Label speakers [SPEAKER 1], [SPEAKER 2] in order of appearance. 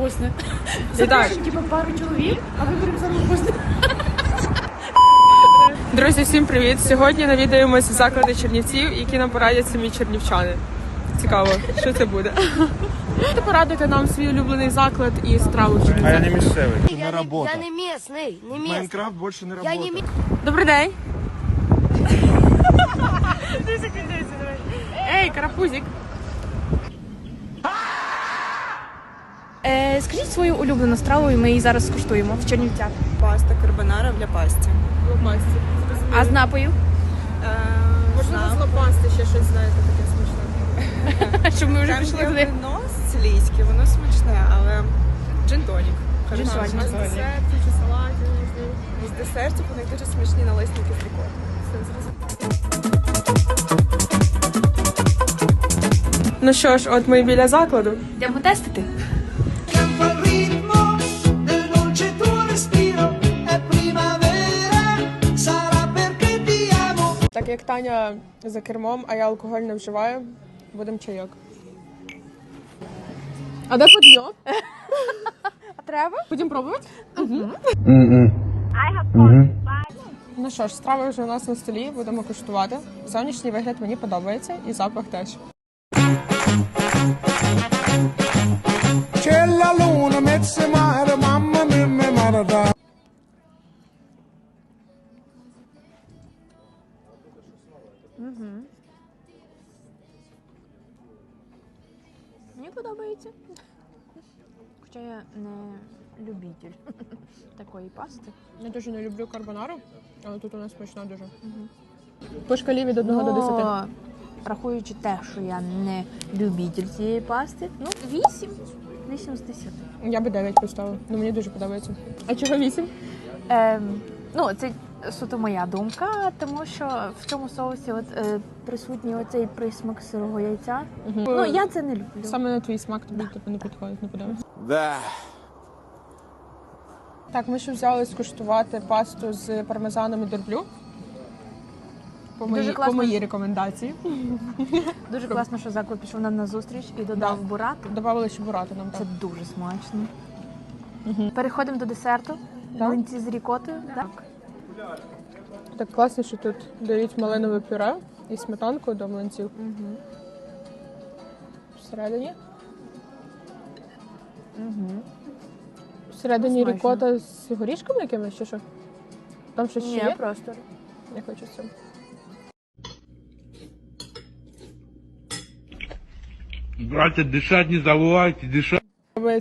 [SPEAKER 1] вкусне.
[SPEAKER 2] Итак.
[SPEAKER 1] Типа пару чоловік, а виберемо саме вкусне.
[SPEAKER 2] Друзі, всім привіт! Сьогодні навідаємося заклади чернівців, які нам порадять самі чернівчани. Цікаво, що це буде. Можете порадити нам свій улюблений заклад і страву
[SPEAKER 3] А я
[SPEAKER 2] чернівців?
[SPEAKER 3] не місцевий. Не
[SPEAKER 4] Я
[SPEAKER 3] робота.
[SPEAKER 4] не местный, не местный.
[SPEAKER 3] Майнкрафт більше не
[SPEAKER 4] Я
[SPEAKER 3] робота.
[SPEAKER 4] не
[SPEAKER 2] Добрий день! Ей, карапузик!
[SPEAKER 1] Скажіть свою улюблену страву, і ми її зараз скуштуємо в Чернівцях.
[SPEAKER 5] Паста карбонара для пасті.
[SPEAKER 2] Лопасті.
[SPEAKER 1] А з напою?
[SPEAKER 2] Можливо, з лопасти ще щось знаєте таке смачне.
[SPEAKER 1] Щоб ми вже
[SPEAKER 5] Там
[SPEAKER 1] пішли
[SPEAKER 5] є
[SPEAKER 1] туди.
[SPEAKER 5] вино сицилійське, воно смачне, але джин-тонік.
[SPEAKER 1] Джин-тонік.
[SPEAKER 5] З десертів чи салатів, можливо. З десертів у них дуже смачні налисники з рікою.
[SPEAKER 2] Ну що ж, от ми і біля закладу.
[SPEAKER 1] Йдемо тестити.
[SPEAKER 6] Campo al ritmo del dolce tuo respiro, è primavera, sarà perché ti amo.
[SPEAKER 2] Так як Таня за кермом, а я алкоголь не вживаю, будемо чайок. А де подйом?
[SPEAKER 1] А треба?
[SPEAKER 2] Будемо пробувати? Ну що ж, страви вже у нас на столі, будемо куштувати. Зовнішній вигляд мені подобається і запах теж.
[SPEAKER 3] C'è la luna, mezzo mare, mamma mia, mi marada.
[SPEAKER 1] Мені подобається. Хоча я не любитель такої пасти.
[SPEAKER 2] Я дуже не люблю карбонару, але тут у нас смачна дуже. По шкалі від 1 до 10.
[SPEAKER 1] Но, рахуючи те, що я не любитель цієї пасти, ну 8. 8 з 10.
[SPEAKER 2] Я би 9 поставила, ну мені дуже подобається. А чого 8?
[SPEAKER 1] Ну, це суто моя думка, тому що в цьому соусі присутній оцей присмак сирого яйця. Ну, я це не люблю.
[SPEAKER 2] Саме на твій смак тобі типу, не підходить, не подобається.
[SPEAKER 3] Да.
[SPEAKER 2] Так, ми ще взяли скуштувати пасту з пармезаном і дорблю.
[SPEAKER 1] Дуже
[SPEAKER 2] По
[SPEAKER 1] класно.
[SPEAKER 2] моїй рекомендації.
[SPEAKER 1] Дуже класно, що заклад пішов нам на зустріч і додав
[SPEAKER 2] Да.
[SPEAKER 1] бурати.
[SPEAKER 2] Добавили ще бурати нам
[SPEAKER 1] Це
[SPEAKER 2] так.
[SPEAKER 1] дуже смачно. Переходимо до десерту.
[SPEAKER 2] Так.
[SPEAKER 1] Млинці з рікотою. Так.
[SPEAKER 2] Так класно, що тут дають малинове пюре і сметанку до млинців. Всередині. Всередині
[SPEAKER 1] Смачно.
[SPEAKER 2] рікота з горішками якимись чи що? Там щось ще
[SPEAKER 1] Ні,
[SPEAKER 2] є?
[SPEAKER 1] просто.
[SPEAKER 2] Я хочу з цим.
[SPEAKER 7] Братья, дышать не забывайте, дышать.